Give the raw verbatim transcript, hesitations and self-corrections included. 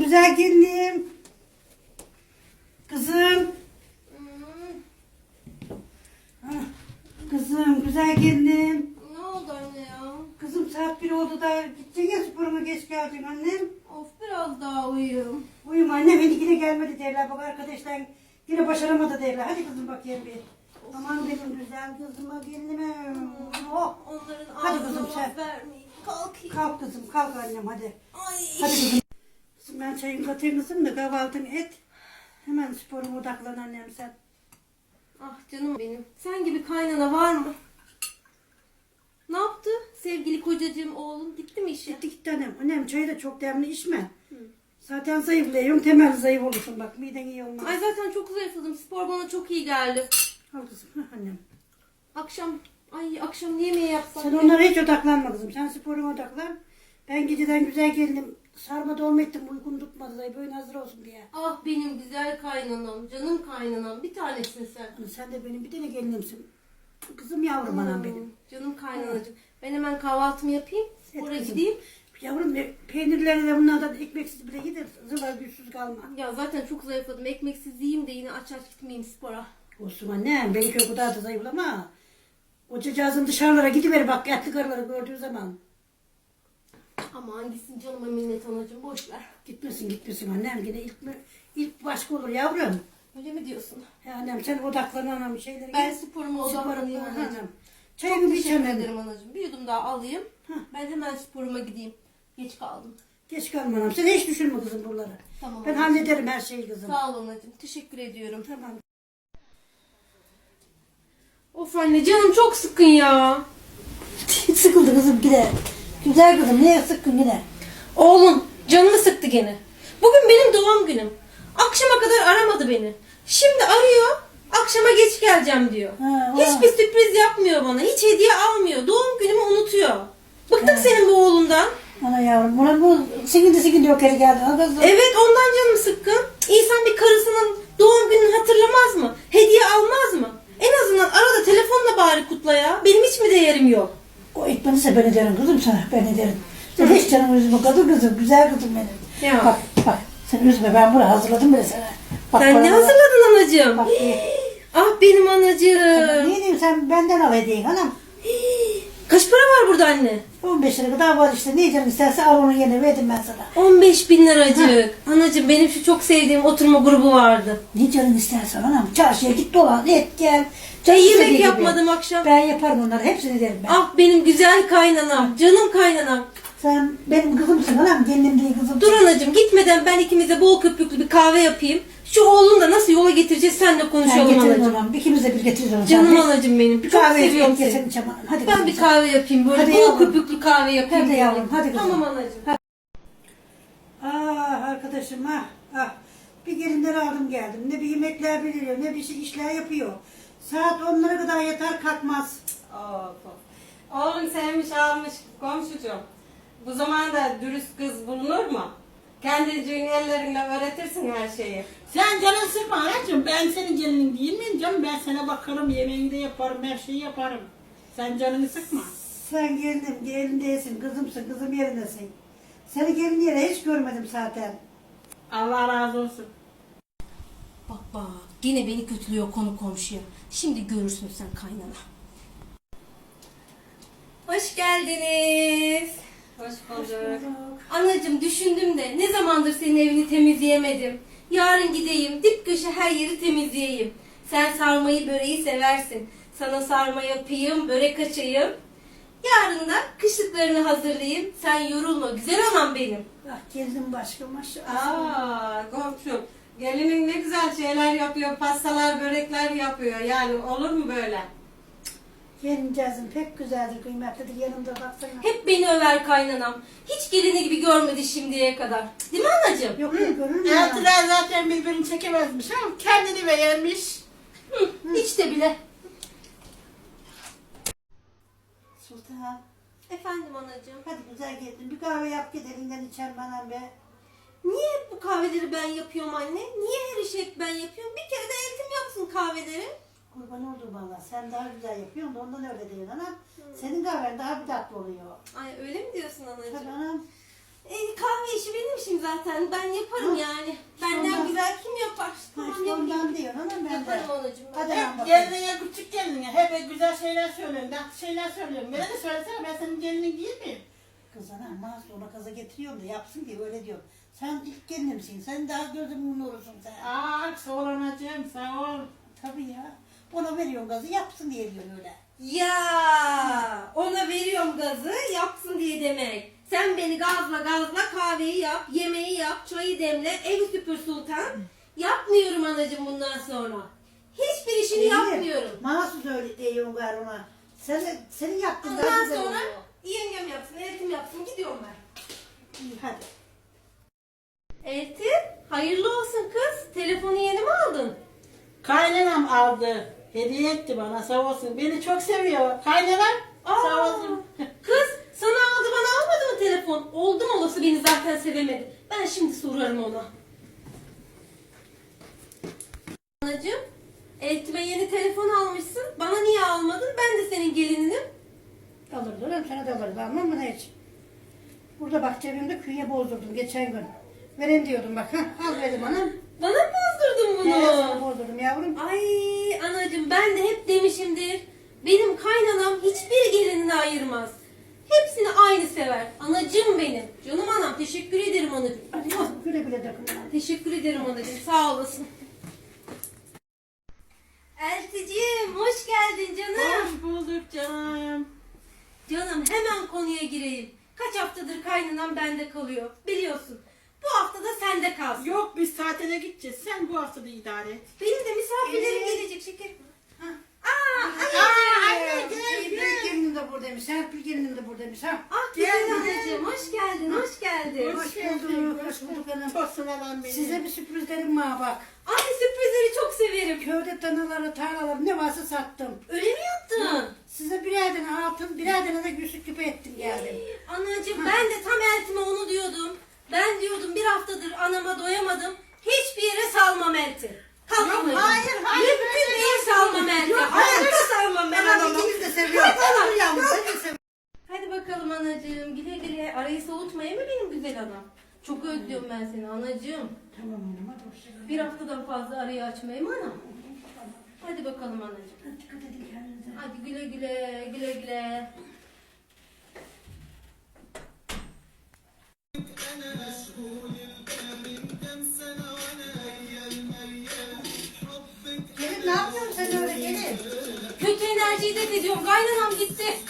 güzel gelinim. Kızım. Ah, Kızım güzel gelinim. Ne oldu anne ya? Kızım saat bir oldu da gideceksin ya sporuma geç geldin annem. Of biraz daha uyuyayım. Uyuma anne beni yine gelmedi derler. Bak arkadaşlar yine başaramadı derler. Hadi kızım bakayım bir. Aman benim güzel kızıma gelinime. Oh. Onların Hadi ağzına kızım laf sen. vermeyin. Kalkayım. Kalk kızım kalk annem hadi. Ay. Hadi kızım. Kızım ben çayımı katayım kızım da kahvaltını et. Hemen sporuma odaklan annem sen. Ah canım benim. Sen gibi kaynana var mı? Ne yaptı? Sevgili kocacığım oğlum gitti mi işe? Gitti gitti annem. Annem çayı da çok demli içme. Zaten zayıflıyorum. Temel zayıf olursun bak. Miden iyi olmaz. Ay zaten çok zayıfladım. Spor bana çok iyi geldi. Al kızım. Hah annem. Akşam, ay akşam ne yemeği yapsam? Sen ya? onlara hiç odaklanma kızım. Sen sporuma odaklan. Ben geceden güzel geldim. Sarma dolma ettim. Uykum tutmadı da böyle hazır olsun diye. Ah benim güzel kaynanam, canım kaynanam. Bir tanesin sen. Hani sen de benim bir tane gelinimsin. Kızım yavrum anam Hmm, benim. Canım kaynanacığım. Ben hemen kahvaltımı yapayım. Spora kızım. gideyim. Yavrum ne- peynirleri de bunlardan ekmeksiz bile gider. Zıvar güçsüz kalma. Ya zaten çok zayıfladım. Ekmeksiz yiyeyim de yine aç aç gitmeyeyim spora. Olsun annem. Belki o kadar da zayıflama. O cacığın dışarılara gidiver bak. Etli karıları gördüğü zaman. Aman gitsin canıma minnet anacığım. Boş ver. Gitmesin gitmesin annem. Yine ilk, ilk başka olur yavrum. Öyle mi diyorsun? Ya annem sen odaklan anam şeyleri. Ben gel. sporuma Sporuma, odaklanayım ha, anacığım. anam. Çok Çayımı teşekkür içemem. ederim anacığım. Bir yudum daha alayım. Hah. Ben hemen sporuma gideyim. Geç kaldım. Geç kalma anam. Sen hiç düşünme kızım buraları. Tamam Ben anacığım. hallederim her şeyi kızım. Sağ ol anacığım. Teşekkür ediyorum. Tamam. Of anne canım çok sıkın ya. Sıkıldı kızım yine. Güzel kızım niye sıkkın yine? Oğlum canımı sıktı gene. Bugün benim doğum günüm. Akşama kadar aramadı beni. Şimdi arıyor. Akşama geç geleceğim diyor. Ha, Hiçbir sürpriz yapmıyor bana. Hiç hediye almıyor. Doğum günümü unutuyor. Bıktık senin bu oğlundan. Ana yavrum buna bu sikindi sikindi yok yere geldi. Ha kızım. Evet ondan canım sıkkın. İnsan bir karısının doğum gününü hatırlamaz mı? Hediye almaz mı? En azından arada telefonla bari kutla ya. Benim hiç mi değerim yok? O etmeniyse ben ederim kızım sana ben ederim. Sen hiç canımı üzme kadın kızım güzel kızım benim. Ya. Bak bak sen üzme ben bunu hazırladım bile sana. Bak, Sen ne bana- hazırladın anacığım? Bak, Ah benim anacığım. Ne diyeyim sen benden al hediyeyi hanım. Kaç para var burada anne? on beş lira kadar var işte. Ne canım isterse al onun yerine verdim ben sana. on beş bin liracık. Anacığım benim şu çok sevdiğim oturma grubu vardı. Ne canım isterse hanım. Çarşıya git dolan et gel. Ben Canım istediği yemek gibi. yapmadım akşam. Ben yaparım onları hepsini derim ben. Ah benim güzel kaynanam. Canım kaynanam. Sen benim kızımsın hanım. Kendim değil kızım. Dur anacığım gitmeden ben ikimize bol köpüklü bir kahve yapayım. Şu oğlunu da nasıl yola getireceğiz seninle Ben konuşalım getiririm anacığım. onu. İkimiz de bir getiririz onu. Canım Sen anacığım benim. bir Çok kahve seviyorum içelim. seni. Geçelim Hadi Ben kızım bir sen. kahve yapayım böyle Hadi bol yavrum. köpüklü kahve yapayım. Hadi yavrum, hadi kızım. Tamam anacığım. Ah arkadaşım ah ah. Bir gelinleri aldım geldim. Ne bir yemekler biliyor ne bir şey işler yapıyor. Saat onlara kadar yatar kalkmaz. Of, of. Oğlum sevmiş almış komşucuğum. Bu zamanda dürüst kız bulunur mu? Kendiciğin ellerinle öğretirsin her şeyi. Sen canın sıkma anacığım. Ben senin gelinin değil miyim canım? Ben sana bakarım, yemeğini de yaparım, her şeyi yaparım. Sen canını sıkma. Sen gelinim gelin değilsin kızımsın kızım yerindesin. Seni gelin yere hiç görmedim zaten. Allah razı olsun. Bak bak yine beni kötülüyor konu komşuya. Şimdi görürsün sen kaynana. Hoş geldiniz. Hoş bulduk. Anacığım düşündüm de ne zamandır senin evini temizleyemedim. Yarın gideyim dip köşe her yeri temizleyeyim. Sen sarmayı böreği seversin. Sana sarma yapayım, börek açayım. Yarın da kışlıklarını hazırlayayım. Sen yorulma güzel anam benim. Ah geldim başka maşallah. Aa komşum. Gelinin ne güzel şeyler yapıyor, pastalar, börekler yapıyor. Yani olur mu böyle? Gelincezim pek güzeldir kıymetlidir yanımda baksana. Hep beni över kaynanam. Hiç gelini gibi görmedi şimdiye kadar. Değil mi anacığım? Yok yok görür mü? Eltiler zaten birbirini çekemezmiş ama kendini beğenmiş. Hı, hiç de bile. Sultan. Efendim anacığım. Hadi güzel geldin. Bir kahve yap git elinden içer bana be. Niye hep bu kahveleri ben yapıyorum anne? Niye her işi hep ben yapıyorum? Bir kere de eltim yapsın kahveleri. Kurban oldum valla. Sen daha güzel yapıyorsun da ondan öyle değil anam. Senin kahven daha bir tatlı oluyor. Ay öyle mi diyorsun Tabii anacığım? anam. E, kahve işi benim işim zaten. Ben yaparım Ha, yani. Benden ondan- güzel kim yapar? Ha, Tamam işte yapayım. ondan diyorsun ama ben de. Yaparım anacığım ben. Hadi lan Hep bakalım. gelinine, küçük gelinine hep güzel şeyler söylüyorsun, tatlı şeyler söylüyorsun. Bana da söylesene, ben senin gelinin değil miyim? Kız anam sonra kaza getiriyorum da yapsın diye öyle diyorum. Sen ilk gelinimsin. Sen daha gözümün nurusun sen. Aa, sağ ol anacığım, sağ ol. Tabii ya. Ona veriyorum gazı yapsın diye diyor öyle. Ya ona veriyorum gazı yapsın diye demek. Sen beni gazla gazla kahveyi yap, yemeği yap, çayı demle, evi süpür sultan. Yapmıyorum anacığım bundan sonra. Hiçbir işini yapmıyorum. Mahsus öyle diyorum gar ona. Sen, senin yaptığın daha Ondan güzel sonra oluyor. yengem yapsın, eltim yapsın gidiyorum ben. İyi hadi. Eltim hayırlı olsun kız. Telefonu yeni mi aldın? Kaynanam aldı, hediye etti bana, sağ olsun. Beni çok seviyor. Kaynanam, sağ olsun. Kız sana aldı bana almadı mı telefon? Oldu mu olası beni zaten sevemedi. Ben şimdi sorarım ona. Anacığım, eltime yeni telefon almışsın. Bana niye almadın? Ben de senin gelininim. Alırdı oğlum sana da alırdı almam mı ne hiç? Burada bak cebimde künye bozdurdum geçen gün. Vereyim diyordum bak. Hah, al verdim anam. Bana mı bozdurdun bunu? Evet sana bozdurdum yavrum. Ay anacığım ben de hep demişimdir. Benim kaynanam hiçbir gelinini ayırmaz. Hepsini aynı sever. Anacığım benim. Canım anam teşekkür ederim anacığım. Hadi Oh, güle güle takın. teşekkür ederim anacığım sağ olasın. Elticim hoş geldin canım. Hoş bulduk canım. Canım hemen konuya gireyim. Kaç haftadır kaynanam bende kalıyor. Biliyorsun. Bu hafta da sende kalsın. Yok, biz tatile gideceğiz. Sen bu hafta da idare et. Benim de misafirlerim Evet. gelecek şeker. Ha. Aa, Aa, anneciğim. anne, gel, İyi büyük gelinim de buradaymış. Serpil gelinim de buradaymış ha. Ah Gel, güzel gel. anneciğim hoş geldin hoş geldin. Hoş bulduk, hoş bulduk hanım. Tosun adam benim. Size bir sürprizlerim var bak. Anne sürprizleri çok severim. Köyde tanaları, tarlaları ne varsa sattım. Öyle mi yaptın? Size birer tane altın, birer tane de gülsük küpe ettim geldim. Anacığım ben de tam eltime onu diyordum. Ben diyordum bir haftadır anama doyamadım. Hiçbir yere salmam elti. Kalk Yok, anacığım. hayır, hayır, Mümkün öyle değil salmam elti. Hayatta salmam ben Ben anamı. ikiniz de seviyorum. Ben yavrum, ben de seviyorum. Hadi bakalım anacığım. Güle güle. Arayı soğutmayın mı benim güzel anam? Çok özlüyorum ben seni anacığım. Tamam hanım hadi hoşçakalın. Bir haftadan fazla arayı açmayayım anam. Hadi bakalım anacığım. Dikkat edin kendinize. Hadi güle güle, güle güle. Gelin ne yapıyorsun sen öyle gelin? Kötü enerjiyi de ediyorum. Kaynanam gitti.